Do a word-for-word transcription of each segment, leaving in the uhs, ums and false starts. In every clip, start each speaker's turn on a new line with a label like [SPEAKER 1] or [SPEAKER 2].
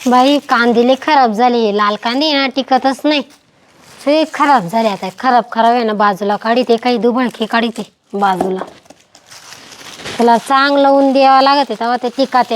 [SPEAKER 1] बाई कांदे लय खराब झाले, लाल कांदे ना टिकतच नाही, सगळे खराब झाले. आता खराब खराब आहे ना बाजूला काढीते, काही दुबळकी काढीते बाजूला. त्याला चांगलं ऊन द्यावं लागत आहे तेव्हा ते टिकते.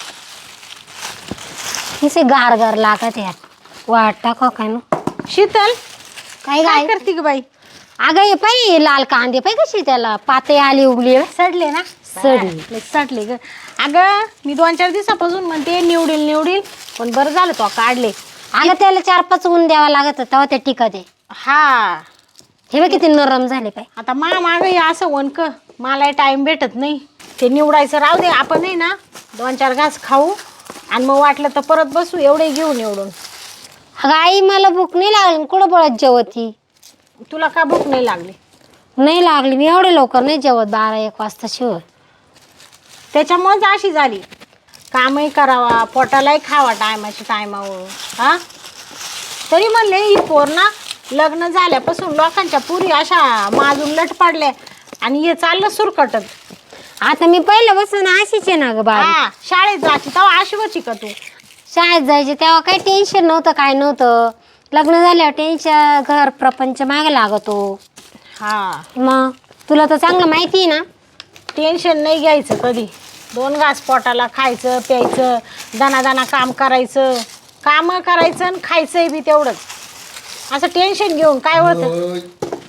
[SPEAKER 1] किसे गार गार लागत आहे. वाट टाका काय ना.
[SPEAKER 2] शीतल
[SPEAKER 1] काय
[SPEAKER 2] काय
[SPEAKER 1] काय
[SPEAKER 2] करते ग बाई?
[SPEAKER 1] अगं हे पाहि लाल कांदे पाहि कशी त्याला पाते आली उगली
[SPEAKER 2] सडले ना?
[SPEAKER 1] सडली.
[SPEAKER 2] लय सडले ग. अगं मी दोन चार दिवसापासून म्हणते निवडील निवडील, पण बरं झालं तो काढले.
[SPEAKER 1] अगं त्याला चार पाच ऊन द्यावा लागत तेव्हा ते टिकते.
[SPEAKER 2] हा
[SPEAKER 1] हे बघ किती नरम झाले पाय.
[SPEAKER 2] आता मा माग असं वनक मला टाइम भेटत नाही. ते निवडायचं राहू दे, आपण आहे ना दोन चार घास खाऊ आणि मग वाटलं तर परत बसू. एवढे घेऊन निवडून.
[SPEAKER 1] अगं आई मला भूक नाही लागली, कुठं पळत जेवती.
[SPEAKER 2] तुला का भूक नाही लागली?
[SPEAKER 1] नाही लागली, मी एवढे लवकर नाही जेवत, बारा एक वाजता शिव.
[SPEAKER 2] त्याच्यामुळेच अशी झाली. कामही करावा, पोटालाही खावा टायमाच्या टायमावर. हा तरी म्हणले ही पोर ना लग्न झाल्यापासून लोकांच्या पुरी अशा माजून लट पाडल्या आणि हे चाललं सुरकटत.
[SPEAKER 1] आता मी पहिलं बसून अशीच आहे ना ग बाबा.
[SPEAKER 2] हा शाळेत जायची तेव्हा अशी का तू?
[SPEAKER 1] शाळेत जायचे तेव्हा काही टेन्शन नव्हतं, काय नव्हतं. लग्न झाल्यावर टेन्शन, घर प्रपंच मागे लागतो.
[SPEAKER 2] हा
[SPEAKER 1] मग तुला तर चांगलं माहिती आहे ना.
[SPEAKER 2] टेन्शन नाही घ्यायचं कधी. दोन घास पोटाला खायचं प्यायचं, दाना दाना काम करायचं, कामं करायचं आणि खायचंही बी तेवढंच. असं टेन्शन घेऊन काय होतं?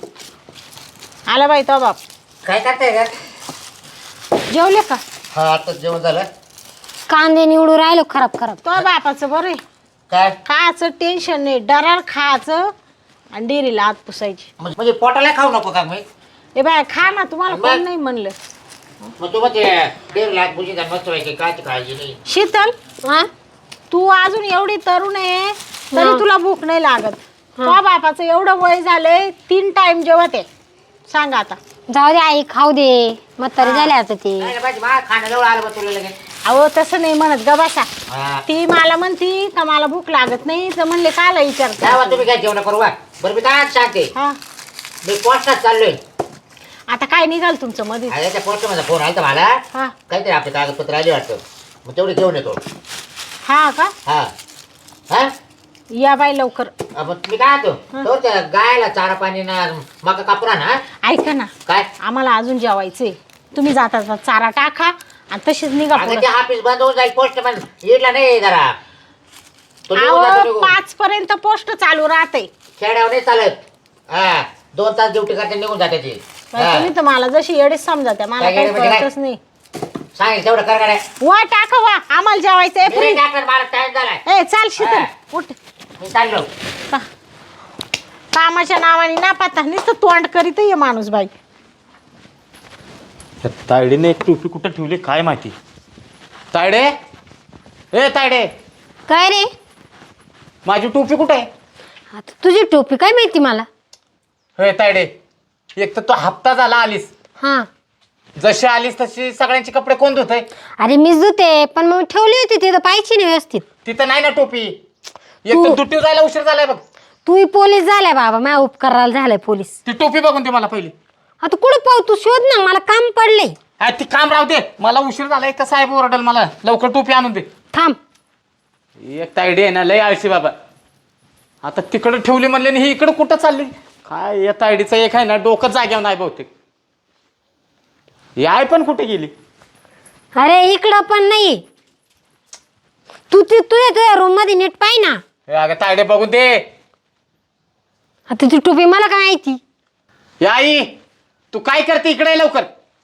[SPEAKER 2] आला बाई तो बाप.
[SPEAKER 3] काय करताय का?
[SPEAKER 2] जेवले का?
[SPEAKER 3] हा आता जेवण झालं.
[SPEAKER 1] कांदे निवडू राहिलो खराब खराब.
[SPEAKER 2] तो बापाचं बरं आहे.
[SPEAKER 3] काय
[SPEAKER 2] खायचं टेन्शन नाही, डरार खायचं आणि डेरीला आत पुसायची.
[SPEAKER 3] म्हणजे म्हणजे पोटाला खाऊ नको का मी?
[SPEAKER 2] ए बाय खा ना, तुम्हाला
[SPEAKER 3] मग?
[SPEAKER 2] कोण नाही म्हणलं.
[SPEAKER 3] मग तू मग ते दीड लाख बुजी मस्त व्हायची काय काळजी नाही.
[SPEAKER 2] शीतल
[SPEAKER 1] हा
[SPEAKER 2] तू अजून एवढी तरुण आहे तरी
[SPEAKER 1] हा.
[SPEAKER 2] तुला भूक नाही लागत. तो बापाचं एवढं वय झालंय, तीन टाइम जेवत आहे. सांग आता.
[SPEAKER 1] जाऊ दे आई, खाऊ दे, म्हातारी झाले आता ते.
[SPEAKER 3] काय रे बाजी, मा खाण्याजवळ आलं बा तुला लगेच.
[SPEAKER 2] अहो तसं नाही म्हणत ग बसा.
[SPEAKER 3] हा
[SPEAKER 2] ती मला म्हणती का मला भूक लागत नाही, तर म्हणले काला
[SPEAKER 3] जावा
[SPEAKER 2] विचारता.
[SPEAKER 3] तुम्ही काय जेवण करू बा. बरं मी काय सांगते,
[SPEAKER 2] हा
[SPEAKER 3] मी पोस्टात चाललोय.
[SPEAKER 2] आता काय निघाल तुमचं मध्ये?
[SPEAKER 3] अरे त्या पोस्ट माझा फोन आला मला,
[SPEAKER 2] हा
[SPEAKER 3] काहीतरी आपले कागदपत्र आले वाटतं, मग तेवढे घेऊन येतो.
[SPEAKER 2] हा का?
[SPEAKER 3] हा हा
[SPEAKER 2] या बाई लवकर.
[SPEAKER 3] मग तुम्ही काय होतो तो त्या गायला चारा पाणी ना मका कापुरा ना.
[SPEAKER 2] ऐका ना,
[SPEAKER 3] काय
[SPEAKER 2] आम्हाला अजून जेवायचंय. तुम्ही जाता जाता चारा टाका आणि तशीच निघा
[SPEAKER 3] अगं
[SPEAKER 2] पुढं.
[SPEAKER 3] ते ऑफिस बंद होऊन जाईल, पोस्ट पण येडला नाही जरा. तो निघून जातो,
[SPEAKER 2] अहो
[SPEAKER 3] निघून.
[SPEAKER 2] पाच पर्यंत पोस्ट चालू राहते.
[SPEAKER 3] खेड्यावर नाही चालत. हा दोन तास ड्युटी करते निघून जाते ती. हा.
[SPEAKER 2] तुम्ही तर मला जशी येडीच समजा त्या, मला
[SPEAKER 3] काय
[SPEAKER 2] काही
[SPEAKER 3] येडे म्हणजे काय?
[SPEAKER 2] कळतच नाही.
[SPEAKER 3] सांगेल तेवढं कर गाड्या.
[SPEAKER 2] वा टाका वा, आम्हाला जेवायचंय.
[SPEAKER 3] मी नाही टाकणार, मला टाइम झालाय.
[SPEAKER 2] ए चाल शीतल
[SPEAKER 3] हा.
[SPEAKER 2] उठ.
[SPEAKER 3] मी चाललो.
[SPEAKER 2] का- कामाच्या नावाने ना पाहता नुसतं तोंड करीत ये माणूस बाई.
[SPEAKER 4] त्या तायडीने एक टोपी कुठं ठेवली काय माहिती. तायडे, ए तायडे,
[SPEAKER 1] काय रे?
[SPEAKER 4] माझी टोपी कुठे आहे?
[SPEAKER 1] आता तुझी टोपी काय माहिती मला.
[SPEAKER 4] हे तायडे, एक तर तो हप्ता झाला आलीस,
[SPEAKER 1] हा
[SPEAKER 4] जशी आलीस तशी सगळ्यांचे कपडे कोण धुतय?
[SPEAKER 1] अरे मीच धुते, पण मग ठेवली होती तिथं पाहिजे नाही व्यवस्थित.
[SPEAKER 4] तिथं नाही ना टोपी. एक
[SPEAKER 1] तू-
[SPEAKER 4] तर दुट्टीवर जायला उशीर झालाय बघ.
[SPEAKER 1] तू पोलीस झालाय बाबा, माझ्या उपकाराला झालाय पोलीस.
[SPEAKER 4] ती टोपी बघून दे मला पहिली.
[SPEAKER 1] आता कुठं पाहू, तू शोध ना, मला काम पडले.
[SPEAKER 4] हा ती काम राहू दे, मला उशीर झालाय. का साहेब ओरडल मला, लवकर टोपी आणून दे.
[SPEAKER 1] थांब.
[SPEAKER 4] एक तायडी आहे ना लय आळशी बाबा. आता तिकडं ठेवली म्हणले आणि ही इकडं कुठं चालली काय? या तायडीचं एक आहे ना डोकं जाग्यावर नाही बहुतेक. याय पण कुठे गेली?
[SPEAKER 1] अरे इकडं पण नाही. तू ती तुझ्या तुझ्या रूम मध्ये नीट पाय ना.
[SPEAKER 4] हे अगं तायडे बघून दे.
[SPEAKER 1] आता ती टोपी मला काय माहिती.
[SPEAKER 4] या आई, तू काय करते इकडे ये लवकर.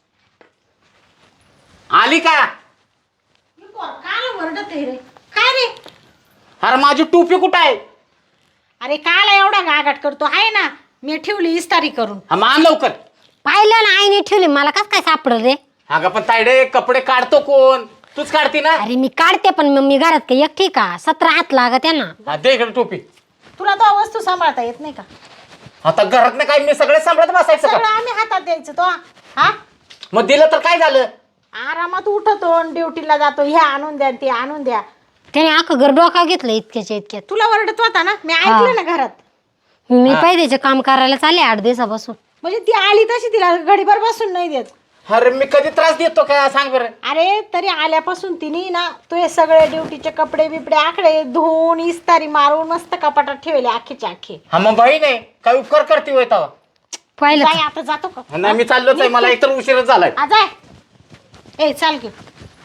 [SPEAKER 4] आली का?
[SPEAKER 2] काल वरडत आहे रे. काय रे?
[SPEAKER 4] अरे माझी टोपी कुठं आहे?
[SPEAKER 2] अरे काल एवढा गागाट करतो आहे ना, मी ठेवली इस्तारी करून.
[SPEAKER 4] हा मान लवकर.
[SPEAKER 1] पाहिलं ना आईने ठेवली, मला कस काय सापडलं रे.
[SPEAKER 4] अगं पण तायडे कपडे काढतो कोण? तूच काढती ना.
[SPEAKER 1] अरे मी काढते, पण मग मी घरात काही एकटी का, सतरा हात लागत आहे ना.
[SPEAKER 4] हा दे इकडे टोपी.
[SPEAKER 2] तुला तो वस्तू सांभाळता येत नाही का?
[SPEAKER 4] आता घरात नाही काय मी सगळे सांभाळत बसायचं
[SPEAKER 2] सगळं
[SPEAKER 4] का?
[SPEAKER 2] आम्ही हातात द्यायचं तो. हा
[SPEAKER 4] मग दिलं तर काय झालं?
[SPEAKER 2] आरामात उठतो, ड्युटीला जातो, ह्या आणून द्या ते आणून द्या.
[SPEAKER 1] त्याने अख्खं घर डोका घेतलं इतक्याच्या इतक्यात.
[SPEAKER 2] तुला वरडत होता ना, मी ऐकलं ना घरात.
[SPEAKER 1] मी पाहिजे काम करायला चालले आठ दिवसापासून.
[SPEAKER 2] म्हणजे ती आली तशी तिला घडीभर बसून नाही देत.
[SPEAKER 4] अरे मी कधी त्रास देतो का सांग बरं.
[SPEAKER 2] अरे तरी आल्यापासून तिने ना तू हे सगळे ड्युटीचे कपडे बिपडे आकडे धुवून इस्तारी मारून मस्त कपाटात ठेवले अख्खेचे अख्खे.
[SPEAKER 4] हा मग बाई नाही काय उपकार करते होय तेव्हा.
[SPEAKER 1] पाहिलं
[SPEAKER 2] जाय
[SPEAKER 1] का?
[SPEAKER 2] आता जातो का?
[SPEAKER 4] नाही मी चाललोच आहे मला एकतर उशीरच झालाय.
[SPEAKER 2] आ, जाय ए चाल की.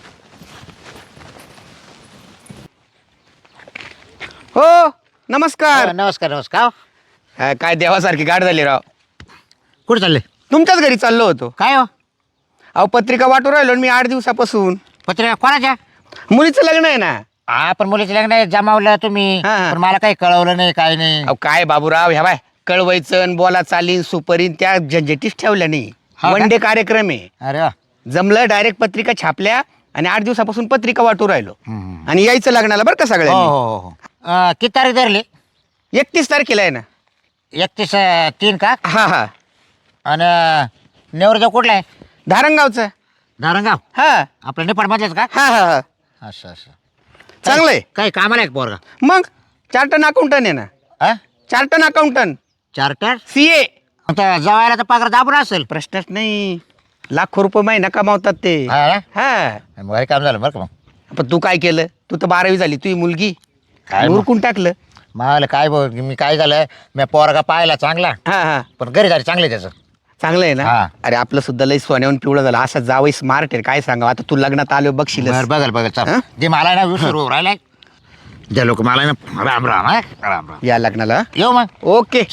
[SPEAKER 5] हो नमस्कार.
[SPEAKER 3] नमस्कार नमस्कार.
[SPEAKER 5] हा, काय देवासारखी गाठ झाली राव.
[SPEAKER 3] कुठे चालले?
[SPEAKER 5] तुमच्याच घरी चाललो होतो.
[SPEAKER 3] काय हो
[SPEAKER 5] अहो पत्रिका वाटू राहिलो ना मी आठ दिवसापासून.
[SPEAKER 3] पत्रिका कोणाच्या?
[SPEAKER 5] मुलीचं लग्न आहे ना.
[SPEAKER 3] हा पण मुलीचं लग्न आहे, जमावलं तुम्ही
[SPEAKER 5] हा, हा.
[SPEAKER 3] पण मला काही कळवलं नाही काय नाही.
[SPEAKER 5] अहो काय बाबूराव ह्या बाय कळवायचं न बोला चालीन सुपरीन त्या झंझटीच ठेवल्या नाही.
[SPEAKER 3] हा का?
[SPEAKER 5] वन डे कार्यक्रम आहे.
[SPEAKER 3] अरे वा.
[SPEAKER 5] जमलं डायरेक्ट पत्रिका छापल्या आणि आठ दिवसापासून पत्रिका वाटू राहिलो.
[SPEAKER 3] हम्म.
[SPEAKER 5] आणि यायचं लग्नाला बरं का
[SPEAKER 3] हो
[SPEAKER 5] सगळ्यांनी.
[SPEAKER 3] हो हो हो. अं, किती तारीख धरली?
[SPEAKER 5] एकतीस तारखेला आहे ना.
[SPEAKER 3] एकतीस तीन का?
[SPEAKER 5] हा हा
[SPEAKER 3] आणि नेवरदेव कुठला आहे?
[SPEAKER 5] धारणगावचं.
[SPEAKER 3] नारंगाव
[SPEAKER 5] हा
[SPEAKER 3] आपलं नेपाळ मधलेच का?
[SPEAKER 5] हा हा हा
[SPEAKER 3] असं असं
[SPEAKER 5] चांगलंय.
[SPEAKER 3] काही कामाला आहे पोरगा?
[SPEAKER 5] मग चार्टन अकाउंटंट आहे ना.
[SPEAKER 3] हा
[SPEAKER 5] chartered accountant
[SPEAKER 3] charter.
[SPEAKER 5] C A.
[SPEAKER 3] आता जवायला तर पगार दाबून असेल.
[SPEAKER 5] प्रश्नच नाही. लाखो रुपये महिना कमावतात ते.
[SPEAKER 3] हा ना?
[SPEAKER 5] हा
[SPEAKER 3] मग काम झालं बरं का मग.
[SPEAKER 5] पण तू काय केलं? तू तर बारावी झाली तुझी मुलगी
[SPEAKER 3] काय मग?
[SPEAKER 5] उरकून टाकलं.
[SPEAKER 3] मला काय बघ मी काय झालं मी पोरगा पाहिला चांगला
[SPEAKER 5] हा हा
[SPEAKER 3] पण घरी झाली चांगले त्याचं.
[SPEAKER 5] चांगलं आहे ना.
[SPEAKER 3] हा.
[SPEAKER 5] अरे आपलं सुद्धा लई सोन्याहून पिवळं झालं. असं जावई स्मार्ट आहे काय सांगा. आता तू लग्नात आलो बघशील.
[SPEAKER 3] बरं बघल बघल
[SPEAKER 5] हा?
[SPEAKER 3] चल जे मला ना विसरू राहिलाय जे लोक मला ना राम राम हा राम राम.
[SPEAKER 5] या लग्नाला.
[SPEAKER 3] येऊ मग.
[SPEAKER 5] ओके.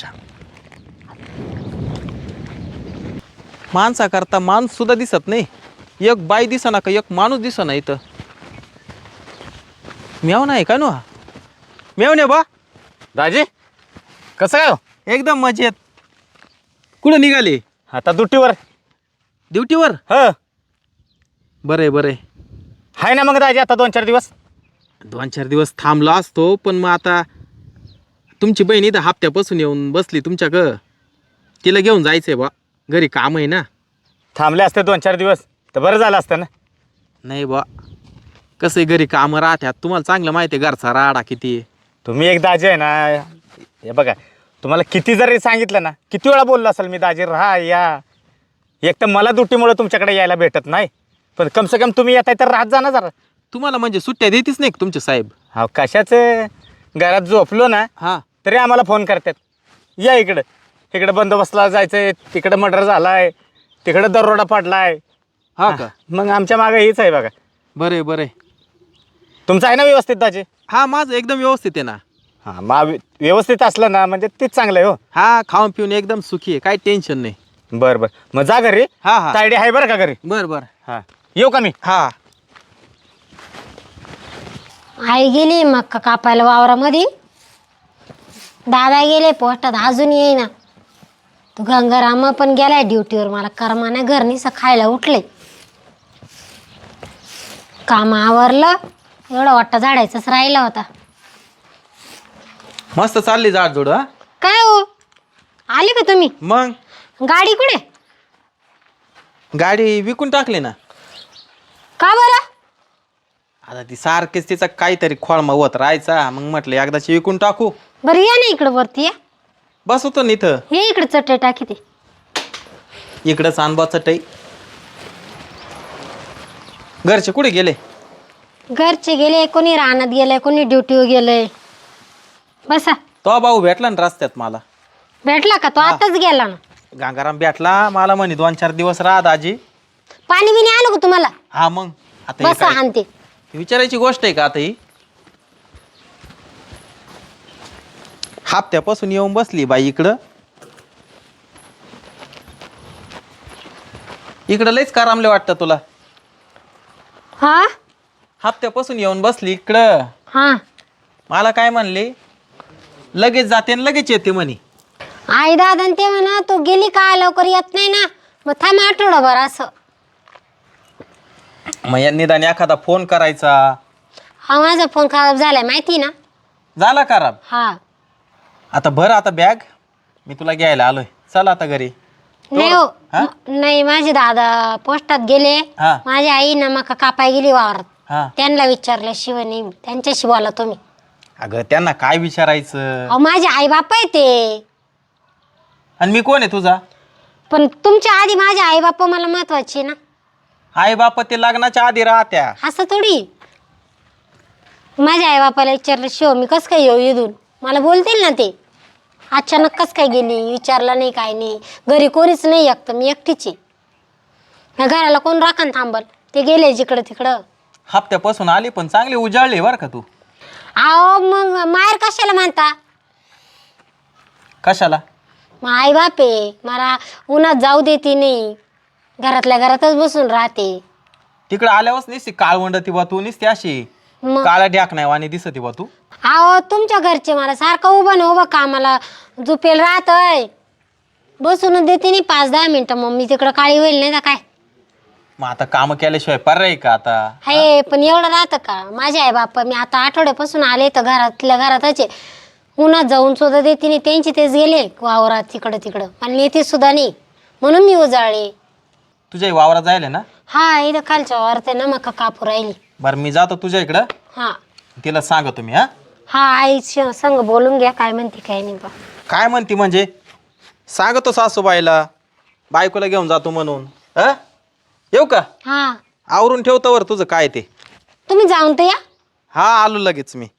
[SPEAKER 6] माणसा करता माणूस सुद्धा दिसत नाही. एक बाई दिसना का एक माणूस दिसना इथं. मेव नाही का नो मेव ने बा
[SPEAKER 4] दाजी कसं काय हो?
[SPEAKER 6] एकदम मजेत. कुठं निघाले?
[SPEAKER 4] आता दुट्टीवर.
[SPEAKER 6] ड्युटीवर.
[SPEAKER 4] ह
[SPEAKER 6] बरे बरे.
[SPEAKER 4] हाय ना मग दाजी आता दोन चार दिवस.
[SPEAKER 6] दोन चार दिवस थांबलो असतो पण मग आता तुमची बहीण इथं हप्त्यापासून येऊन बसली तुमच्या ग. तिला घेऊन जायचंय बा घरी काम आहे ना.
[SPEAKER 4] थांबले असते दोन चार दिवस तर बरं झालं असतं ना.
[SPEAKER 6] नाही बा कसं घरी कामं राहत्यात तुम्हाला चांगलं माहिती आहे घरचा राडा किती आहे.
[SPEAKER 4] तुम्ही एक दाजी आहे ना. हे बघा तुम्हाला किती जरी सांगितलं ना किती वेळा बोललो असेल मी दाजी राहा या. एक तर मला दुट्टीमुळे तुमच्याकडे यायला भेटत नाही पण कम से कम तुम्ही येताय तर राहत जा ना जरा.
[SPEAKER 6] तुम्हाला म्हणजे सुट्ट्या देतीच नाही का तुमचे साहेब?
[SPEAKER 4] हा कशाचं घरात झोपलो ना
[SPEAKER 6] हां
[SPEAKER 4] तरी आम्हाला फोन करतात या इकडं. इकडं बंदोबस्तला जायचंय तिकडं मर्डर झालाय तिकडं दरोडा पडलाय.
[SPEAKER 6] हा का?
[SPEAKER 4] मग आमच्या मागे हीच आहे बघा.
[SPEAKER 6] बरे बरे.
[SPEAKER 4] तुमचं आहे ना व्यवस्थित दाजी?
[SPEAKER 6] हा माझं एकदम व्यवस्थित आहे ना.
[SPEAKER 4] हां मग व्यवस्थित असलं ना म्हणजे तेच चांगलं आहे हो.
[SPEAKER 6] हा खाऊन पिऊन एकदम सुखी आहे काही टेन्शन नाही.
[SPEAKER 4] बरं बरं मग जा घरी.
[SPEAKER 6] हा हा
[SPEAKER 4] तायडी आहे बरं का घरी.
[SPEAKER 6] बर बर.
[SPEAKER 4] हां येऊ का मी?
[SPEAKER 6] हा
[SPEAKER 1] आई गेली मक्का कापायला वावरामध्ये. दादा गेले पोस्टात अजून येईना. तू गंगाराम पण गेलाय ड्युटीवर. मला करमाना घरनीसं खायला उठले. काम आवरलं एवढा वाटतं झाडायचंच राहिला होता.
[SPEAKER 6] मस्त चालली जाड जोड. हा
[SPEAKER 1] काय हो आले का तुम्ही?
[SPEAKER 6] मग
[SPEAKER 1] गाडी कुठे?
[SPEAKER 6] गाडी विकून टाकली ना.
[SPEAKER 1] का बरं?
[SPEAKER 6] आता ती सारखीच तिचा काहीतरी खोळमा होत राहायचा मग म्हटलं एकदाची विकून टाकू.
[SPEAKER 1] बरं या ना इकडं वरती या.
[SPEAKER 6] बस होतो ना इथं.
[SPEAKER 1] हे इकडे चटई टाकी ते.
[SPEAKER 6] इकडं चांदबा चटई. घरचे कुठे गेले?
[SPEAKER 1] घरचे गेले कोणी रानात गेले कोणी ड्युटीवर गेले. बसा.
[SPEAKER 6] तो भाऊ भेटला ना रस्त्यात मला.
[SPEAKER 1] भेटला का? तो आताच गेला ना.
[SPEAKER 6] गंगाराम भेटला मला म्हणे दोन चार दिवस राहा दाजी.
[SPEAKER 1] पाणी बिणी आलं का तुम्हाला?
[SPEAKER 6] हा मग आता हे
[SPEAKER 1] बसा
[SPEAKER 6] काय?
[SPEAKER 1] आणते.
[SPEAKER 6] विचारायची गोष्ट आहे का आता ही? हप्त्यापासून येऊन बसली बाई इकडं. इकडं लयच कारामले वाटतं तुला.
[SPEAKER 1] हा
[SPEAKER 6] हप्त्यापासून येऊन बसली इकडं.
[SPEAKER 1] हा
[SPEAKER 6] मला काय म्हणले लगेच जाते आणि लगेच येते म्हणे.
[SPEAKER 1] आई दादा ते म्हणा तू गेली का लवकर येत नाही ना मग थांब आठवडाभर असं.
[SPEAKER 6] मग या निदान एखादा फोन करायचा.
[SPEAKER 1] हा माझा फोन खराब झालाय माहिती ना.
[SPEAKER 6] झाला खराब.
[SPEAKER 1] हा
[SPEAKER 6] आता भर आता बॅग मी तुला घ्यायला आलोय. चल आता घरी.
[SPEAKER 1] नाही हो
[SPEAKER 6] हा?
[SPEAKER 1] म- नाही माझे दादा पोस्टात गेले.
[SPEAKER 6] हा.
[SPEAKER 1] माझी आई ना मका कापाय गेली वावरात.
[SPEAKER 6] हा
[SPEAKER 1] त्यांना विचारल्याशिवाय नाही त्यांच्याशी बोला तुम्ही.
[SPEAKER 6] अगं त्यांना काय विचारायचं?
[SPEAKER 1] अहो माझे आई बाप आहे ते.
[SPEAKER 6] आणि मी कोण आहे तुझा?
[SPEAKER 1] पण तुमच्या आधी माझे आई बाप्पा मला महत्वाचे ना.
[SPEAKER 6] आई बाप ते लग्नाच्या आधी राहत्या.
[SPEAKER 1] असं थोडी. माझ्या आई बापाला विचारलं शिव मी कसं काय येऊ इथून, मला बोलतील ना ते. अचानक कसं काय गेली, विचारलं नाही काय नाही. घरी कोणीच नाही एकतं, मी एकटीच आहे. या घराला कोण राखण थांबल, ते गेले जिकडं तिकडं.
[SPEAKER 6] हप्त्यापासून आली पण चांगली उजाळली बरं का तू.
[SPEAKER 1] अहो मग माहेर कशाला म्हणता.
[SPEAKER 6] कशाला?
[SPEAKER 1] मग आई बाप आहे, मला उन्हात जाऊ देते नाही, घरातल्या घरातच बसून राहते.
[SPEAKER 6] तिकडे आल्यावरच निसती काळवंड ती बा तू, निसती अशी
[SPEAKER 1] मग
[SPEAKER 6] काळा ढ्याक नाही वाणी दिसती बा तू.
[SPEAKER 1] अहो तुमच्या घरचे मला सारखं उभं ना उभं कामाला झुपेल राहतय, बसून देते नाही पाच दहा मिनिटं. मग मी तिकडं काळी होईल नाही का काय.
[SPEAKER 6] मग आता काम केल्याशिवाय पर्याय का आता.
[SPEAKER 1] हे पण एवढं राहतं का. माझे आई बाप्पा मी आता आठवड्यापासून आले तर घरातल्या घरातच आहे. उन्हात जाऊन सुद्धा देते नाही, त्यांची तेच गेले वावरात तिकडं तिकडं, आणि नेते सुद्धा नाही, म्हणून मी उजाळले.
[SPEAKER 6] तुझ्या वावरात जायला ना.
[SPEAKER 1] हा इथं खालच्या वावरात ना मका कापू राहिली.
[SPEAKER 6] बरं मी जातो तुझ्या इकडं,
[SPEAKER 1] हा
[SPEAKER 6] तिला सांगा तुम्ही. हा
[SPEAKER 1] हा आई संग बोलून घ्या काय म्हणते काय नाही बा.
[SPEAKER 6] काय म्हणती म्हणजे सांगतो सासूबाईला बायकोला घेऊन जातो म्हणून. हा येऊ का?
[SPEAKER 1] हा
[SPEAKER 6] आवरून ठेवतो वर तुझं काय ते.
[SPEAKER 1] तुम्ही जाऊन तर या.
[SPEAKER 6] हा आलो लगेच मी.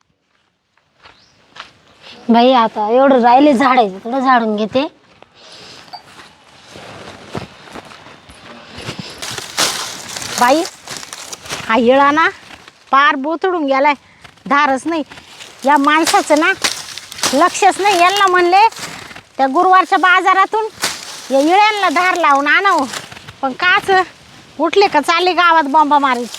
[SPEAKER 1] बाई आता एवढं राहिले झाडायचं, थोडं झाडून घेते.
[SPEAKER 2] बाई हा येळा ना पार बोतडून गेलाय, धारच नाही. या माणसाचं ना लक्षच नाही. यांना म्हणले त्या गुरुवारच्या बाजारातून या इळ्यांना धार लावून आणावं, पण काच उठले का चालले गावात बॉम्बा मारायची.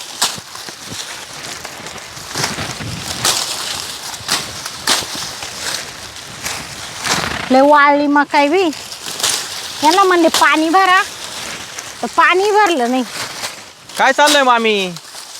[SPEAKER 2] लय वाळली मकाई बी. यांना म्हणले पाणी भरा, तर पाणी भरलं नाही.
[SPEAKER 6] काय चाललंय मामी?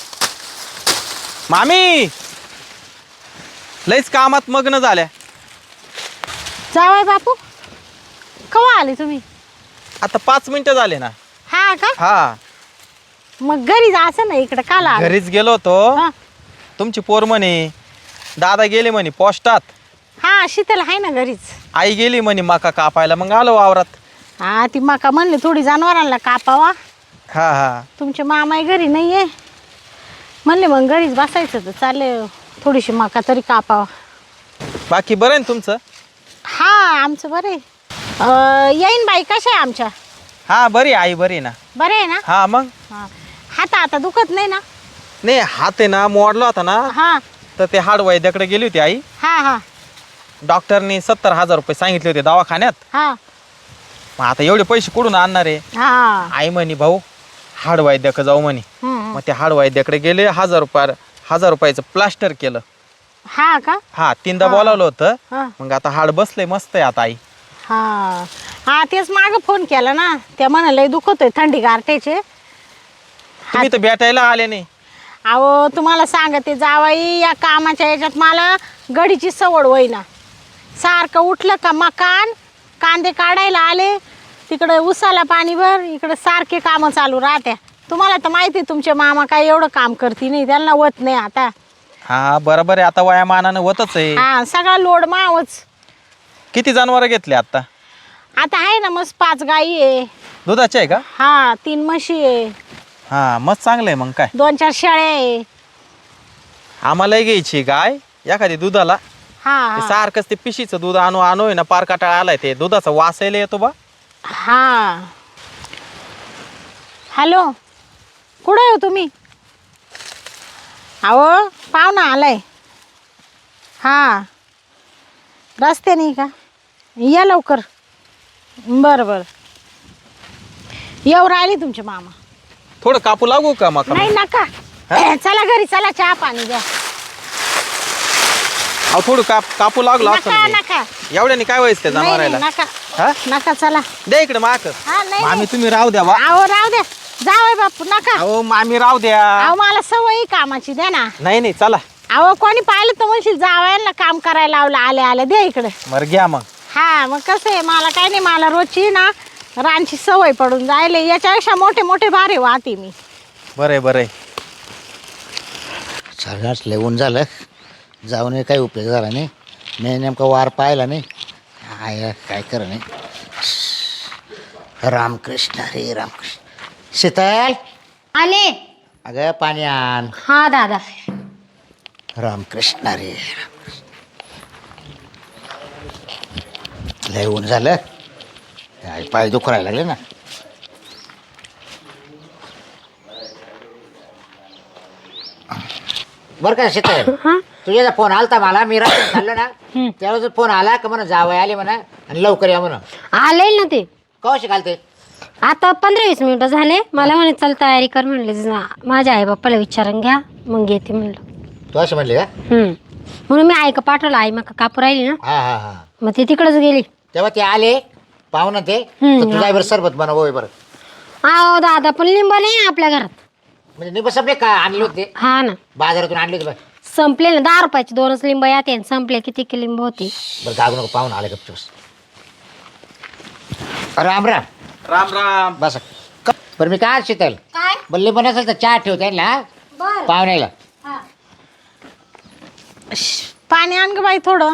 [SPEAKER 6] मामी लईच कामात मग्न झाल्या.
[SPEAKER 2] जावाय बापू केव्हा आले तुम्ही?
[SPEAKER 6] आता पाच मिनिटं झाले ना.
[SPEAKER 2] हा का?
[SPEAKER 6] हा
[SPEAKER 2] मग घरी जायचं ना, इकडे काला आले?
[SPEAKER 6] घरीच गेलो होतो.
[SPEAKER 2] हा
[SPEAKER 6] तुमची पोर म्हणे दादा गेले म्हणे पोस्टात,
[SPEAKER 2] हा शीतल आहे ना घरीच.
[SPEAKER 6] आई गेली म्हणे मका कापायला, मग आलो वावरात.
[SPEAKER 2] हा ती मका म्हणले थोडी जनावरांना कापावा.
[SPEAKER 6] हा हा
[SPEAKER 2] तुमचे मामाई घरी नाही आहे म्हणले, मग घरीच बसायचं तर चालले थोडीशी मका तरी कापावा.
[SPEAKER 6] बाकी बरं आहे ना तुमचं?
[SPEAKER 2] हा आमचं बरं आहे. अं, येईन बाई कशा आहे आमच्या?
[SPEAKER 6] हा बरी आहे आई, बरी आहे ना.
[SPEAKER 2] बरं आहे ना?
[SPEAKER 6] हा मग
[SPEAKER 2] हा हात आता दुखत नाही ना?
[SPEAKER 6] नाही हात आहे ना मोडला होता ना,
[SPEAKER 2] हा
[SPEAKER 6] तर ते हाड वैद्याकडे गेली होती आई.
[SPEAKER 2] हा हा
[SPEAKER 6] डॉक्टरनी सत्तर हजार रुपये सांगितले होते दवाखान्यात.
[SPEAKER 2] हा
[SPEAKER 6] मग आता एवढे पैसे कुठून आणणार आहे?
[SPEAKER 2] हा
[SPEAKER 6] आई म्हणे भाऊ हाड वैद्याकडे जाऊ म्हणे.
[SPEAKER 2] हम्म.
[SPEAKER 6] मग ते हाड वैद्याकडे गेले, हजार रुपया हजार रुपयाचं प्लास्टर केलं.
[SPEAKER 2] हा का?
[SPEAKER 6] हा तीनदा बोलावलं होतं.
[SPEAKER 2] हा
[SPEAKER 6] मग आता हाड बसलंय मस्त आहे आता आई.
[SPEAKER 2] हा हा तेच मागं फोन केला ना, त्या म्हणाले दुखत आहे थंडी गारठ्याचे.
[SPEAKER 6] तुम्ही तर भेटायला आले नाही.
[SPEAKER 2] अहो तुम्हाला सांगते जावाई, या कामाच्या याच्यात मला गडीची सवड होईना. सारखं उठलं का मकान कांदे काढायला आले, तिकडं उसाला पाणी भर, इकडं सारखे कामं चालू राहत्या. तुम्हाला तर माहिती आहे तुमचे मामा काय एवढं काम करते नाही, त्यांना होत नाही आता.
[SPEAKER 6] हा बरोबर आहे, आता वयामानानं होतच आहे.
[SPEAKER 2] हा सगळा लोड मावच.
[SPEAKER 6] किती जनावर घेतले आता?
[SPEAKER 2] आता आहे ना मस्त पाच गाई आहे.
[SPEAKER 6] दुधाचे आहे का?
[SPEAKER 2] हा तीन म्हशी आहे,
[SPEAKER 6] हा मस्त चांगलं आहे. मग काय
[SPEAKER 2] दोन चार शेळ्या आहे.
[SPEAKER 6] आम्हालाही घ्यायची गाय एखादी दुधाला.
[SPEAKER 2] हा
[SPEAKER 6] ते
[SPEAKER 2] हा
[SPEAKER 6] सारखंच ते पिशीचं दूध आणू आणू आहे ना पार काटाळा आलाय. ते दुधाचा वासायला येतो बा.
[SPEAKER 2] हा हॅलो कुठं आहे हो तुम्ही? अहो पाहुणा आलाय. हा रस्त्याने का? या लवकर. बरं बरं येऊ राहिले तुमचे मामा.
[SPEAKER 6] थोडं कापू लागू का मग?
[SPEAKER 2] नाही नका, चला घरी चला, चहा पाणी द्या.
[SPEAKER 6] अहो थोडं काप कापू लागलो असं
[SPEAKER 2] नका
[SPEAKER 6] म्हणजे.
[SPEAKER 2] नका
[SPEAKER 6] एवढ्याने काय व्हायचं त्या
[SPEAKER 2] नाही, नाही,
[SPEAKER 6] जनावरायला?
[SPEAKER 2] नका
[SPEAKER 6] हा
[SPEAKER 2] नका चला.
[SPEAKER 6] द्या इकडे माक.
[SPEAKER 2] हा नाही
[SPEAKER 6] मामी
[SPEAKER 2] नाही.
[SPEAKER 6] तुम्ही राहू द्या बा.
[SPEAKER 2] अहो राहू द्या, जावय बापू नका.
[SPEAKER 6] अहो मामी राहू द्या.
[SPEAKER 2] अहो मला सवय आहे कामाची, द्या ना.
[SPEAKER 6] नाही नाही चला.
[SPEAKER 2] अहो कोणी पाहिलं तर म्हणशील जावयाला काम करायला लावलं, आले आले द्या इकडे.
[SPEAKER 6] बरं घ्या मग.
[SPEAKER 2] हा मग कसं आहे, मला काय नाही, मला रोजची ना रानची सवय पडून जायले. याच्यापेक्षा मोठे मोठे भारे वाहते मी.
[SPEAKER 6] बरं आहे बरं आहे.
[SPEAKER 3] सगळ्याच लेवून झालं, जाऊन काही उपयोग झाला नाही. मी नेमका वार पाहिला नाही. आय काय कर नाही. रामकृष्ण रे रामकृष्ण. शीतल
[SPEAKER 1] आले.
[SPEAKER 3] अगं पाणी आण.
[SPEAKER 1] हा दादा.
[SPEAKER 3] रामकृष्ण रे. लय ऊन झालं. काय पाय दुखरायला लागले ना. बरं का शीतल, तुझ्या फोन आलता मला, मी रात्री चाललो ना त्यावेळेस फोन आला का म्हणा जावं आले म्हणा आणि लवकर या म्हणा.
[SPEAKER 1] आले ना ते
[SPEAKER 3] कवाशी घालते.
[SPEAKER 1] आता पंधरा वीस मिनिटं झाले. मला म्हणे चल तयारी कर म्हणले. जा- माझ्या आई बाप्पाला विचारून घ्या मग येते म्हणलं.
[SPEAKER 3] तू अशी म्हणली का?
[SPEAKER 1] हम्म. म्हणून मी आई का पाठवलं. आई मग कापू राहिली ना,
[SPEAKER 3] हा हा हा.
[SPEAKER 1] मग ते तिकडच गेली.
[SPEAKER 3] तेव्हा ते आले पाहुणा ते
[SPEAKER 1] हम्म,
[SPEAKER 3] तर तुझ्या बरं सरबत बनव बरं.
[SPEAKER 1] अहो दादा पण लिंब नाही आहे आपल्या घरात.
[SPEAKER 3] म्हणजे निंब संपले का आणले होते
[SPEAKER 1] हा ना,
[SPEAKER 3] बाजारातून आणले होते बरं.
[SPEAKER 1] संपले ना. दहा रुपयाचे दोनच लिंब येते आणि संपले किती की लिंब होती.
[SPEAKER 3] बरं गागू नको, पाहुणा आले गपचूस. राम राम.
[SPEAKER 6] राम राम.
[SPEAKER 3] बस क- बरं मी काय शीतल
[SPEAKER 1] काय
[SPEAKER 3] बरं लिंब नसेल तर चहा ठेवते ना
[SPEAKER 1] बर.
[SPEAKER 3] पाहुण्याला.
[SPEAKER 2] श, पाणी आण ग बाई थोडं.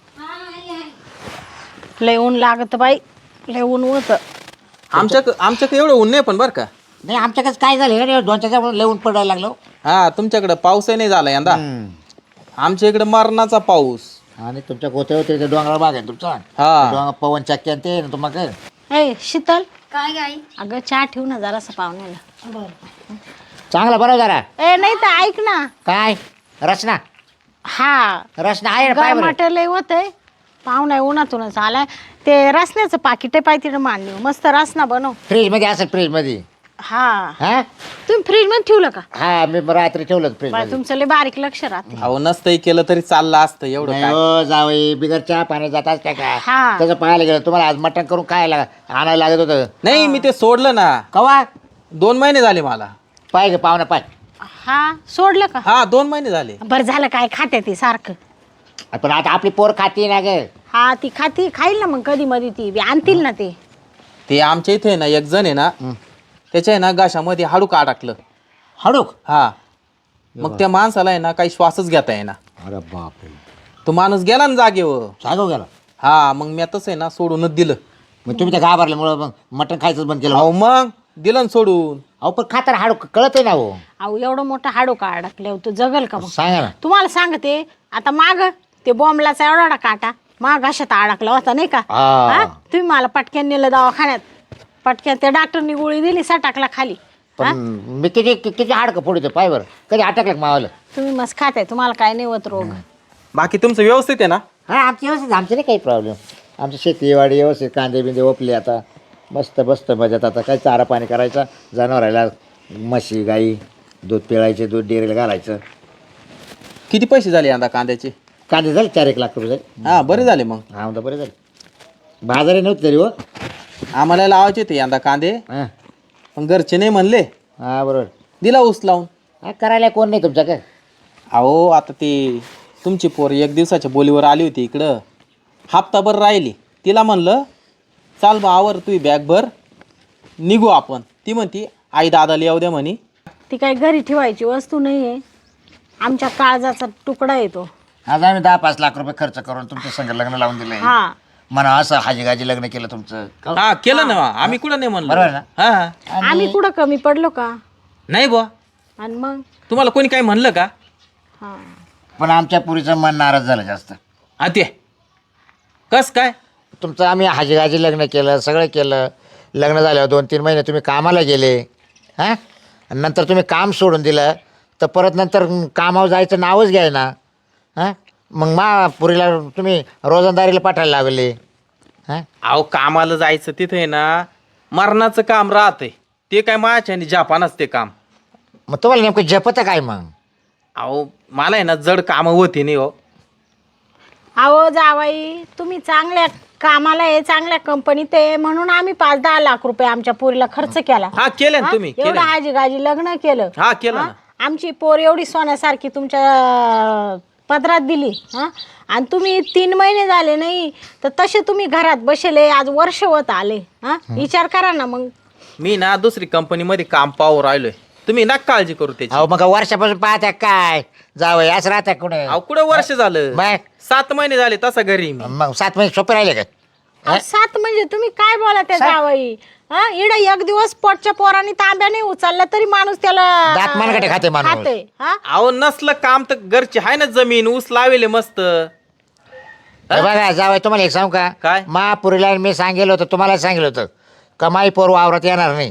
[SPEAKER 2] लय ऊन लागत बाई, लय ऊन होतं.
[SPEAKER 6] आमच्या आमच्याकडे एवढं ऊन नाही पण बरं का.
[SPEAKER 3] नाही आमच्याकडे काय झालं रे, दोन चार दिवस लिहून पडायला लागलो.
[SPEAKER 6] हा तुमच्याकडे पाऊसही नाही झाला यंदा. आमच्या इकडे मरणाचा पाऊस.
[SPEAKER 3] आणि तुमच्या गोत्या होते ते डोंगराळ भाग आहे तुमचा.
[SPEAKER 6] हा.
[SPEAKER 3] डोंगर पवन चक्की आणि ते ना तुम्हाला.
[SPEAKER 2] ए शीतल,
[SPEAKER 1] काय गाई.
[SPEAKER 2] अगं चहा ठेवू ना जरासं पाहुण्याला.
[SPEAKER 3] चांगला बरं जरा.
[SPEAKER 2] ए नाही तर ऐक ना.
[SPEAKER 3] काय रचना
[SPEAKER 2] हा
[SPEAKER 3] रचना आहे ना पाय बरं.
[SPEAKER 2] गरमाट लय होतंय. पाहुणा उन्हातूनच आलाय. ते रसण्याचं पाकिट आहे पाय तिकडे मांडली, मस्त रसना बनव.
[SPEAKER 3] फ्रीज मध्ये असेल फ्रीज मध्ये.
[SPEAKER 2] हा
[SPEAKER 3] हा
[SPEAKER 2] तुम्ही फ्रीज मध्ये ठेवलं का?
[SPEAKER 3] हा मी रात्री ठेवलं फ्रीज
[SPEAKER 2] बाय
[SPEAKER 3] मध्ये.
[SPEAKER 2] तुमचं लय बारीक लक्ष राहते.
[SPEAKER 6] अहो नसतंही केलं तरी चाललं असतं एवढं
[SPEAKER 3] नाही
[SPEAKER 6] काय.
[SPEAKER 3] हो जावई बिगर चहा पाणी जात असते का.
[SPEAKER 2] हा.
[SPEAKER 3] तसं पाहायला गेलं तुम्हाला आज मटण करून काय लाग आणायला लागत होतं.
[SPEAKER 6] नाही मी ते सोडलं ना.
[SPEAKER 3] कवा
[SPEAKER 6] दोन महिने झाले मला.
[SPEAKER 3] पाय गे पाहुणा पाय.
[SPEAKER 2] हा सोडलं का?
[SPEAKER 6] हा दोन महिने झाले.
[SPEAKER 2] बरं झालं काय खाते ती सारखं.
[SPEAKER 3] पण आता आपली पोर खाती ना ग.
[SPEAKER 2] हा ती खाती खाईल ना मग कधी मध्ये ती बी आणतील ना ते.
[SPEAKER 6] ते आमच्या इथे आहे ना एक जण आहे ना, त्याच्या आहे ना घशामध्ये हाडूक अडकलं.
[SPEAKER 3] हडूक.
[SPEAKER 6] हा मग त्या माणसाला आहे ना काही श्वासच घेता येईना.
[SPEAKER 3] अरे बापरे.
[SPEAKER 6] तो माणूस गेला ना जागेवर.
[SPEAKER 3] सांगू गेला.
[SPEAKER 6] हा मग मी तसं आहे ना सोडूनच दिलं.
[SPEAKER 3] मग तुम्ही त्या घाबरल्यामुळं मग मटण खायचं बंद केलं.
[SPEAKER 6] अहो मग दिलं ना सोडून.
[SPEAKER 3] अहो पण खाताना हाडूक कळत ना हो.
[SPEAKER 2] अहो एवढं मोठं हाडो का अडकले तू जगल का मग?
[SPEAKER 3] सांगा ना.
[SPEAKER 2] तुम्हाला सांगते आता माग ते बॉम्बलाचा एवढा एवढा काटा माग घशात अडकला होता नाही का?
[SPEAKER 3] हा.
[SPEAKER 2] हा? तुम्ही मला पटक्यान नेलं दवाखान्यात. पटक्यान त्या डॉक्टरनी गोळी दिली सटाकला खाली.
[SPEAKER 3] पण मी किती किती हाडकं फोडतो पाय बरं. कधी अटकलं का मावाला.
[SPEAKER 2] तुम्ही मस्त खाताय, तुम्हाला काय नाही होत रोग.
[SPEAKER 6] बाकी तुमचं व्यवस्थित आहे ना?
[SPEAKER 3] हा आमची व्यवस्थित, आमचं नाही काही प्रॉब्लेम. आमची शेतीवाडी व्यवस्थित, कांदे बिंदे ओपले आता मस्त बसत मजात. आता काय चारा पाणी करायचा जनावराला, म्हशी गाई दूध पिळायचे, दूध डेअरीला घालायचं.
[SPEAKER 6] किती पैसे झाले यंदा कांद्याचे?
[SPEAKER 3] कांदे झाले चार एक लाख रुपये झाले.
[SPEAKER 6] हा बरे झाले मग.
[SPEAKER 3] हा म्हणता बरे झाले. बाजारही नव्हते तरी हो.
[SPEAKER 6] आम्हाला लावायचे ते यंदा कांदे,
[SPEAKER 3] हां
[SPEAKER 6] पण घरचे नाही म्हणले.
[SPEAKER 3] हां बरोबर.
[SPEAKER 6] दिला ऊस लावून.
[SPEAKER 3] हा करायला कोण नाही तुमच्या काय.
[SPEAKER 6] अहो आता ती तुमची पोर एक दिवसाच्या बोलीवर आली होती इकडं, हप्ताभर राहिली. तिला म्हणलं चाल बा आवर तू बॅग भर निघू आपण. ती म्हणती आई दादाला येऊ द्या म्हणे.
[SPEAKER 2] ती काही घरी ठेवायची वस्तू नाही आहे. आमच्या काळजाचा तुकडा येतो.
[SPEAKER 3] आज आम्ही दहा पाच लाख रुपये खर्च करून तुमच्या संग लग्न लावून दिलंय.
[SPEAKER 2] हा
[SPEAKER 3] म्हणा असं हाजी गाजी लग्न केलं तुमचं.
[SPEAKER 6] हा केलं ना आम्ही कुठं नाही म्हणलो.
[SPEAKER 3] बरोबर ना?
[SPEAKER 6] हा हा.
[SPEAKER 2] आम्ही कुठं कमी पडलो का?
[SPEAKER 6] नाही बुवा
[SPEAKER 2] आणि मग
[SPEAKER 6] तुम्हाला कोणी काही म्हणलं का?
[SPEAKER 2] हा
[SPEAKER 3] पण आमच्या पुरीचं मन नाराज झालं जास्त.
[SPEAKER 6] हा ते कस काय?
[SPEAKER 3] तुमचं आम्ही हाजी गाजी लग्न केलं, सगळं केलं. लग्न झाल्यावर दोन तीन महिने तुम्ही कामाला गेले. हां आणि नंतर तुम्ही काम सोडून दिलं तर परत नंतर कामावर जायचं नावच घ्याय ना. हां मग मा पुरीला तुम्ही रोजंदारीला पाठवायला लागले. हां
[SPEAKER 6] अहो कामाला जायचं तिथे ना मरणाचं काम राहतंय. ते काय माझ्या आणि जापानच ते काम.
[SPEAKER 3] मग तुम्हाला नेमकं जपतं काय मग.
[SPEAKER 6] अहो मला आहे ना जड कामं होती नाही हो.
[SPEAKER 2] अहो जावाई तुम्ही चांगल्या कामाला आहे, चांगल्या कंपनीत आहे म्हणून आम्ही पाच दहा लाख रुपये आमच्या पोरीला खर्च केला.
[SPEAKER 6] हा केलं ना तुम्ही
[SPEAKER 2] एवढं
[SPEAKER 6] केलं.
[SPEAKER 2] हाजी गाजी लग्न केलं.
[SPEAKER 6] हा केलं
[SPEAKER 2] हा?
[SPEAKER 6] ना.
[SPEAKER 2] आमची पोर एवढी सोन्यासारखी तुमच्या पदरात दिली. हा आणि तुम्ही तीन महिने झाले नाही तर तसे तुम्ही घरात बसले. आज वर्ष होत आले. हा विचार करा ना मग.
[SPEAKER 6] मी ना दुसरी कंपनीमध्ये काम पाहू राहिलोय. तुम्ही ना काळजी करू त्याची.
[SPEAKER 3] अहो मग वर्षापासून पाहत्या काय जावं असं राहत्या कुठे.
[SPEAKER 6] अहो कुठं वर्ष झालं?
[SPEAKER 3] मग
[SPEAKER 6] सात महिने झाले तसा घरी मी.
[SPEAKER 3] मग सात महिने सोपे राहिले काय.
[SPEAKER 2] अहो, सात म्हणजे तुम्ही काय बोला त्या
[SPEAKER 3] सात?
[SPEAKER 2] जावई हा इड एक दिवस पोटच्या पोरांनी तांब्या नाही उचलला तरी माणूस त्याला
[SPEAKER 3] दात मनगटे खाते माणूस.
[SPEAKER 2] खाते हा
[SPEAKER 6] अहो नसलं काम तर घरची आहे ना जमीन ऊस लावेले मस्त.
[SPEAKER 3] हे बघा जावई तुम्हाला एक सांगू का
[SPEAKER 6] काय?
[SPEAKER 3] महापुरीला मी सांगेल होतं तुम्हाला सांगितलं होतं कमाई पोर वावरात येणार नाही.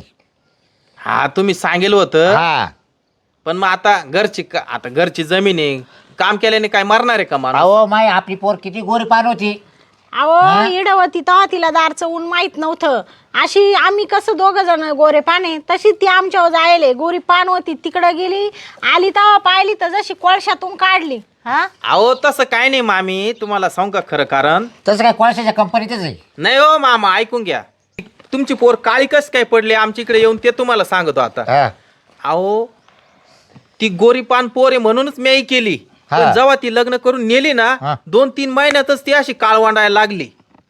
[SPEAKER 6] हा तुम्ही सांगेल होतं
[SPEAKER 3] हा
[SPEAKER 6] पण मग आता घरची का- आता घरची जमीन आहे काम केल्याने काय मरणार आहे का माणूस?
[SPEAKER 3] अहो माय आपली पोर किती गोरी पान होती.
[SPEAKER 2] अहो इडवती तेव्हा तिला दारचं ऊन माहित नव्हतं. अशी आम्ही कसं दोघ जण गोरे पाने तशी ती आमच्यावर जायले गोरी पान होती तिकडं गेली आली तेव्हा पाहिली तर जशी कोळशातून काढली. हा
[SPEAKER 6] अहो तसं काय नाही मामी तुम्हाला सांगू का खरं कारण
[SPEAKER 3] तसं काय कोळशाच्या कंपनीतच आहे.
[SPEAKER 6] नाही हो मामा ऐकून घ्या तुमची पोर काळी कस काय पडली आमच्या इकडे येऊन ते तुम्हाला सांगतो आता.
[SPEAKER 3] हा.
[SPEAKER 6] अहो ती गोरी पान पोर आहे म्हणूनच मी केली
[SPEAKER 3] हा.
[SPEAKER 6] पण जेव्हा ती लग्न करून नेली
[SPEAKER 3] हा.
[SPEAKER 6] ना दोन तीन महिन्यातच ती अशी काळवांडायला लागली.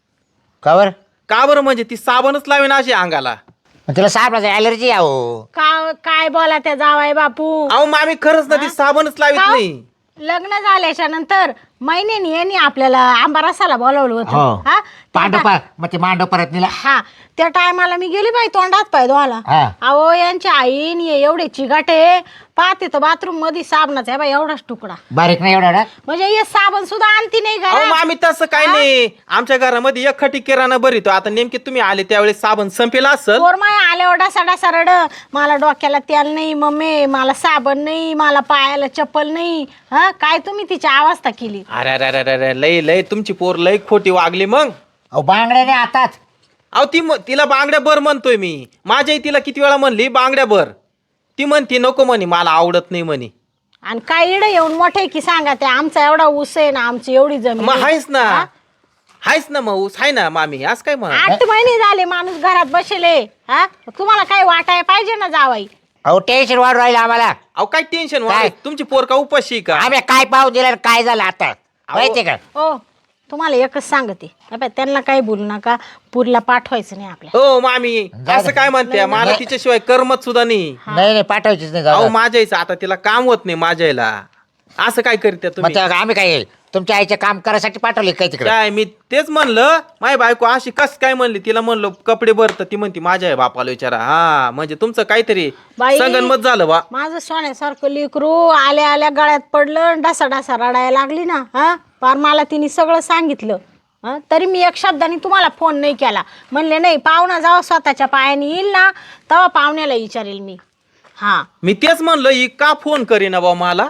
[SPEAKER 3] का बरं
[SPEAKER 6] का बरं म्हणजे ती साबणच लावेन अशी अंगाला.
[SPEAKER 3] मग तिला सापडायचं ॲलर्जी आहो.
[SPEAKER 2] का काय बोला त्या जावाय बापू.
[SPEAKER 6] अहो मामी खरंच ना ती साबणच लावित
[SPEAKER 2] का?
[SPEAKER 6] नाही.
[SPEAKER 2] लग्न झाल्याच्या नंतर महिन्यानी यांनी आपल्याला आंबा रसाला बोलावलं
[SPEAKER 3] हो
[SPEAKER 2] होतं हा त्या
[SPEAKER 3] पांडव पा मग ते मांडव परत नेला.
[SPEAKER 2] हा त्या टायमाला मी गेली बाई तोंडात पाय धुवायला.
[SPEAKER 3] हा.
[SPEAKER 2] अहो यांच्या आईन एवढे चिगाटे पाहते तर बाथरूम मध्ये साबणाचा आहे बाई एवढाच तुकडा
[SPEAKER 3] बारीक नाही एवढा एवढा.
[SPEAKER 2] म्हणजे हे साबण सुद्धा आणती नाही
[SPEAKER 6] अहो
[SPEAKER 2] घरात.
[SPEAKER 6] मामी तसं काय नाही आमच्या घरामध्ये एक खटी किराणा भरितो आता नेमके तुम्ही आले त्यावेळेस साबण संपेला असेल.
[SPEAKER 2] पोरमाय आल्या डासा डासा रड मला डोक्याला तेल नाही मम्मी मला साबण नाही मला पायाला चप्पल नाही. हा काय तुम्ही तिची अवस्था केली.
[SPEAKER 6] अरे अरे अरे अरे लय लय तुमची पोर लय खोटी वागली मग.
[SPEAKER 3] अहो बांगड्याने आताच
[SPEAKER 6] अहो ती म- तिला बांगड्या भर म्हणतोय मी माझ्याही तिला किती वेळा म्हणली बांगड्या भर ती म्हणती नको म्हणे मला आवडत नाही म्हणे.
[SPEAKER 2] आणि काय इड येऊन मोठे की सांगा ते आमचा एवढा ऊस आहे ना आमची एवढी जमीन
[SPEAKER 6] मग
[SPEAKER 2] आहे.
[SPEAKER 6] हायच ना
[SPEAKER 2] हा?
[SPEAKER 6] हायच ना मग ऊस हाय ना मामी आज काय म्हणा.
[SPEAKER 2] आठ महिने झाले माणूस घरात बसले हा तुम्हाला काय वाटाय पाहिजे ना जावाई.
[SPEAKER 3] अहो टेन्शन वाढ राहिलं आम्हाला.
[SPEAKER 6] अहो काय टेन्शन
[SPEAKER 3] काय?
[SPEAKER 6] तुमची पोर का उपाशी आहे का?
[SPEAKER 3] आम्ही काय पाहू दिलं आणि काय झालं आता माहिती का.
[SPEAKER 2] ओ तुम्हाला एकच सांगते हे बाई, त्यांना काही बोलू नका पुरीला पाठवायचं नाही आपल्या.
[SPEAKER 6] हो मामी असं काय म्हणते मला तिच्याशिवाय करमत सुद्धा नाही.
[SPEAKER 3] नाही नाही पाठवायचीच नाही
[SPEAKER 6] अहो
[SPEAKER 3] जाऊ.
[SPEAKER 6] माझ्या आईचं आता तिला काम होत नाही माझ्या आईला असं काय करते
[SPEAKER 3] मग
[SPEAKER 6] तुम्ही.
[SPEAKER 3] तेव्हा आम्ही काय तुमच्या आईचे काम करायसाठी पाठवले काय तिकडे.
[SPEAKER 6] काय मी तेच म्हणलं माझी बायको अशी कस काय म्हणली तिला म्हणलं कपडे भरत ती म्हणती माझ्या आई बापाला विचारा. हा म्हणजे तुमचं काहीतरी
[SPEAKER 2] बाई.
[SPEAKER 6] संगनमत झालं बा.
[SPEAKER 2] माझं सोन्यासारखं लेकरू आल्या आल्या गळ्यात पडलं डासा डासा रडायला लागली ना हा पार मला तिने सगळं सांगितलं. हा तरी मी एक शब्दाने तुम्हाला फोन नाही केला म्हणले नाही पाहुणा जेव्हा स्वतःच्या पायाने येईल ना तेव्हा पाहुण्याला विचारेल मी. हा
[SPEAKER 6] मी तेच म्हणलं ही का फोन करीना बा मला.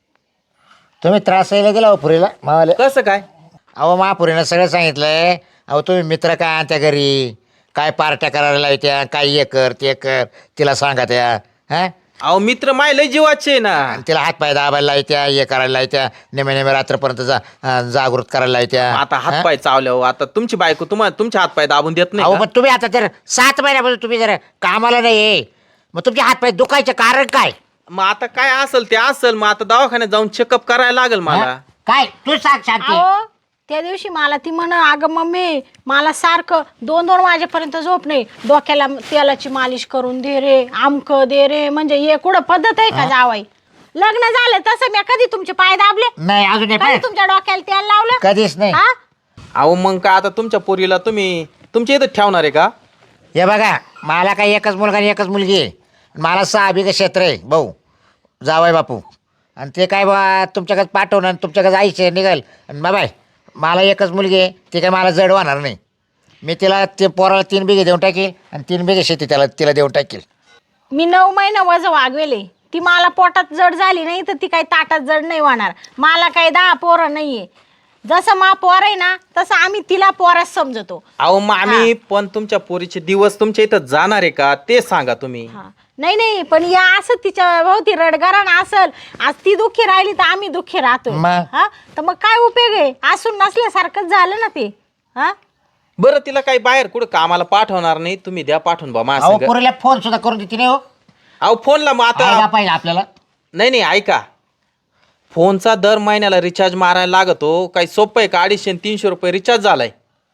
[SPEAKER 3] तुम्ही त्रास यायला दिला हो पुरीला मावाले.
[SPEAKER 6] कसं काय.
[SPEAKER 3] अहो महापुरीनं सगळं सांगितलंय. अहो तुम्ही मित्र काय आणत्या घरी काय पार्ट्या करायला लावत्या काय हे कर ते कर तिला सांगा त्या हा
[SPEAKER 6] अहो मित्र माय लय जीवाचे आहे ना.
[SPEAKER 3] आणि तिला हातपाय दाबायला लावत्या हे करायला लावत्या नेमे नेमे रात्रपर्यंत जा अं, जागृत करायला लावत्या.
[SPEAKER 6] आता
[SPEAKER 3] हा?
[SPEAKER 6] हातपाय चावल्यावर आता तुमची बायको तुम्हाला तुमचे हातपाय दाबून देत
[SPEAKER 3] अहो
[SPEAKER 6] नाही
[SPEAKER 3] पण तुम्ही आता जर सात महिन्यापासून तुम्ही जर कामाला नाही मग तुमचे हातपाय दुखायचे कारण काय.
[SPEAKER 6] का? मग आता काय असेल ते असेल मग आता दवाखान्यात जाऊन चेकअप करायला लागेल मला.
[SPEAKER 3] हा? काय तू सांग शांती.
[SPEAKER 2] अहो त्या दिवशी मला ती म्हण अगं मम्मी मला सारखं दोन दोन वाजेपर्यंत झोप नाही डोक्याला तेलाची मालिश करून दे रे आमक दे रे म्हणजे हे कुठं पद्धत आहे का जावाई. लग्न झालं तसं मी कधी तुमचे पाय दाबले
[SPEAKER 3] नाही अजून नाही
[SPEAKER 2] कधी
[SPEAKER 3] पाय.
[SPEAKER 2] तुमच्या डोक्याला तेल लावलं
[SPEAKER 3] कधीच नाही.
[SPEAKER 2] हा
[SPEAKER 6] अहो मग काय आता तुमच्या पोरीला तुम्ही तुमच्या इथं ठेवणार आहे का.
[SPEAKER 3] हे बघा मला काही एकच मुलगा आणि एकच मुलगी आहे. मला सहा बिघे क्षेत्र आहे भाऊ जावाय बापू आणि ते काय बा तुमच्याकडे पाठवणं आणि तुमच्याकडे जायचे निघाल आणि बाबाय मला एकच मुलगी आहे ती काय मला जड होणार नाही. मी तिला ते पोराला तीन बिघे देऊन टाकील आणि तीन बिघे शेती त्याला तिला देऊन टाकील.
[SPEAKER 2] मी नऊ महिना वज वागवेले ती मला पोटात जड झाली नाही तर ती काही ताटात जड नाही होणार. मला काही दहा पोरं नाहीये जसं मा पोर आहे ना तसं आम्ही तिला पोराच समजतो.
[SPEAKER 6] अहो मग आम्ही पण तुमच्या पोरीचे दिवस तुमच्या इथं जाणार आहे का ते सांगा तुम्ही.
[SPEAKER 2] हा नाही नाही पण या असं तिच्या भोवती रडगारण असल आज ती दुःखी राहिली तर आम्ही दुःखी राहतो.
[SPEAKER 3] मग?
[SPEAKER 2] हा तर मग काय उपयोग आहे असून नसल्यासारखंच झालं ना ते. हा
[SPEAKER 6] बरं तिला काही बाहेर कुठं कामाला पाठवणार नाही तुम्ही द्या पाठवून बा माझ्या
[SPEAKER 3] अहो
[SPEAKER 6] संग.
[SPEAKER 3] पोरीला फोन सुद्धा करून देते नाही हो.
[SPEAKER 6] अहो फोनला मग
[SPEAKER 3] आयला
[SPEAKER 6] आता
[SPEAKER 3] पाहिजे आपल्याला.
[SPEAKER 6] नाही नाही ऐका फोनचा दर महिन्याला रिचार्ज मारायला लागतो काही सोपं आहे का. अडीचशे आणि तीनशे रुपये रिचार्ज झालाय.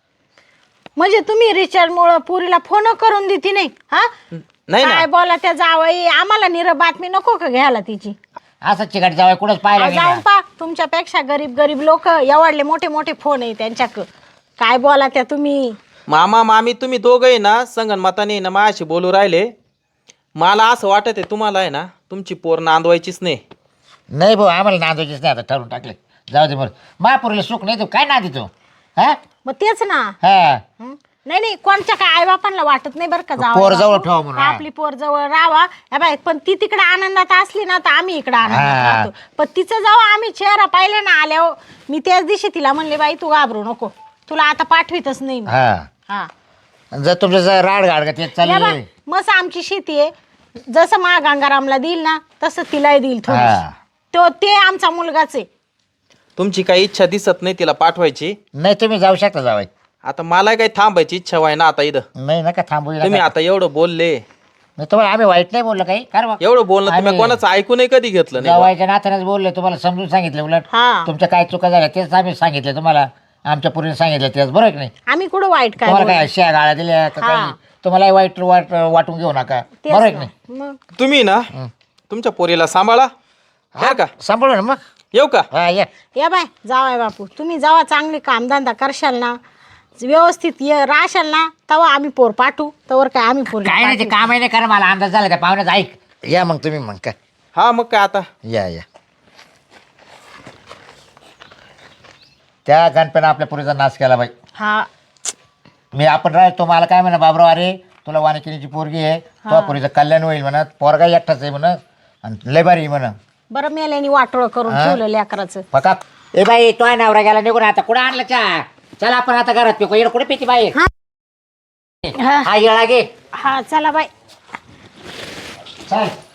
[SPEAKER 2] म्हणजे तुम्ही रिचार्ज मुळे पुरीला फोन करून देते नाही. हा
[SPEAKER 6] नाही
[SPEAKER 2] काय
[SPEAKER 6] ना
[SPEAKER 2] बोला त्या जावई आम्हाला निर बातमी नको का घ्यायला तिची.
[SPEAKER 3] असं चिकट जावाय कुठंच पाहिलं
[SPEAKER 2] जाऊन
[SPEAKER 3] नाही ना.
[SPEAKER 2] पा तुमच्यापेक्षा गरीब गरीब लोक एवढले मोठे मोठे फोन आहे त्यांच्याक काय बोला त्या तुम्ही.
[SPEAKER 6] मामा मामी तुम्ही दोघंही ना संगणमताने ना माझ्याशी बोलू राहिले. मला असं वाटत आहे तुम्हाला आहे ना तुमची पोर नांदवायचीच नाही.
[SPEAKER 3] नाही भाऊ आम्हाला नांदायचीच नाही आता ठरवून टाकले. जाऊ दे बरं महापुरीला सुख नाही तू काय नांदी तू हा
[SPEAKER 2] मग तेच ना.
[SPEAKER 3] हा
[SPEAKER 2] हं? नाही नाही कोणच्या काय आई बापांना वाटत नाही बरं का जावई
[SPEAKER 3] पोर जवळ
[SPEAKER 2] बापू.
[SPEAKER 3] ठेवा म्हणून,
[SPEAKER 2] का
[SPEAKER 3] हा.
[SPEAKER 2] आपली पोर जवळ राहावा. हे बाय पण ती तिकडे आनंदात असली ना तर आम्ही इकडे आनंदात
[SPEAKER 3] हा.
[SPEAKER 2] राहतो. पण तिचं जेव्हा आम्ही चेहरा पाहिले ना आल्यावर मी त्याच दिवशी तिला म्हणले बाई तू घाबरू नको तुला आता पाठवितच नाही मी.
[SPEAKER 3] हा
[SPEAKER 2] हा
[SPEAKER 3] जर तुमचं जर राड गाड का ते
[SPEAKER 2] या
[SPEAKER 3] चालले
[SPEAKER 2] बाय, मस्त आमची शेती आहे. जसं मा गंगारामला देईल ना तसं तिलाही देईल थोडी.
[SPEAKER 3] हा.
[SPEAKER 2] तो ते आमचा मुलगाच आहे.
[SPEAKER 6] तुमची काही इच्छा दिसत नाही तिला पाठवायची.
[SPEAKER 3] नाही तुम्ही जाऊ शकता जावाय.
[SPEAKER 6] आता मला काही थांबायची इच्छा व्हाय ना आता इथं.
[SPEAKER 3] नाही नका थांबू
[SPEAKER 6] तुम्ही आता एवढं बोलले
[SPEAKER 3] मी तुम्हाला आम्ही वाईट नाही बोललो काही कारण
[SPEAKER 6] एवढं बोलणं तुम्ही
[SPEAKER 3] आम्ही-
[SPEAKER 6] कोणाचं ऐकू नाही कधी घेतलं नाही.
[SPEAKER 3] जावायच्या नात्यानेच बोलले तुम्हाला समजून सांगितलं उलट
[SPEAKER 2] हा.
[SPEAKER 3] तुमच्या काय चुका झाल्या तेच आम्ही सांगितले तुम्हाला आमच्या पूर्वीने सांगितलं तेच बरोबर की नाही
[SPEAKER 2] आम्ही कुठं वाईट काय
[SPEAKER 3] तुम्हाला
[SPEAKER 2] बोललो?
[SPEAKER 3] काय शिया गाळ्या दिल्या का
[SPEAKER 2] हा.
[SPEAKER 3] काही तुम्हाला वाईट वाट वाटून घेऊ नका
[SPEAKER 2] तेच
[SPEAKER 3] बरोबर की
[SPEAKER 2] ना.
[SPEAKER 3] नाही
[SPEAKER 2] मग
[SPEAKER 6] तुम्ही ना तुमच्या पोरीला सांभाळा बरं का.
[SPEAKER 3] सांभाळू ना मग
[SPEAKER 6] येऊ का.
[SPEAKER 3] हा या
[SPEAKER 2] या बाय जावाय बापू तुम्ही जेव्हा चांगले कामधंदा करशाल ना व्यवस्थित ये राहशाल ना तेव्हा आम्ही पोर पाठवू तवर काय आम्ही पोर
[SPEAKER 3] काय नाही ते काम नाही करा मला अंदाज झाला त्या पाहुण्याचा ऐक या मग तुम्ही मग काय
[SPEAKER 6] हा मग काय आता.
[SPEAKER 3] या या त्या गणपतीनं आपल्या पुरीचा नाश केला बाई.
[SPEAKER 2] हा
[SPEAKER 3] मी आपण राहतो मला काय म्हणा बाबराव अरे तुला वानिकिनीची पोरगी आहे तो पुरीचं कल्याण होईल म्हणत पोरगा एकटाच आहे म्हणत आणि लय भारी म्हणत
[SPEAKER 2] बरं मेल्याने वाटोळ करून
[SPEAKER 3] हा?
[SPEAKER 2] ठेवलं लेकराचं.
[SPEAKER 3] पका ए बाई तो आहे नवरा गेला निघून आता कुठं आणलं चहा चला आपण आता घरात पिको इकडे कुठे पिती बाई
[SPEAKER 2] हा
[SPEAKER 3] हा येळा घे
[SPEAKER 2] हा चला बाय.
[SPEAKER 3] चल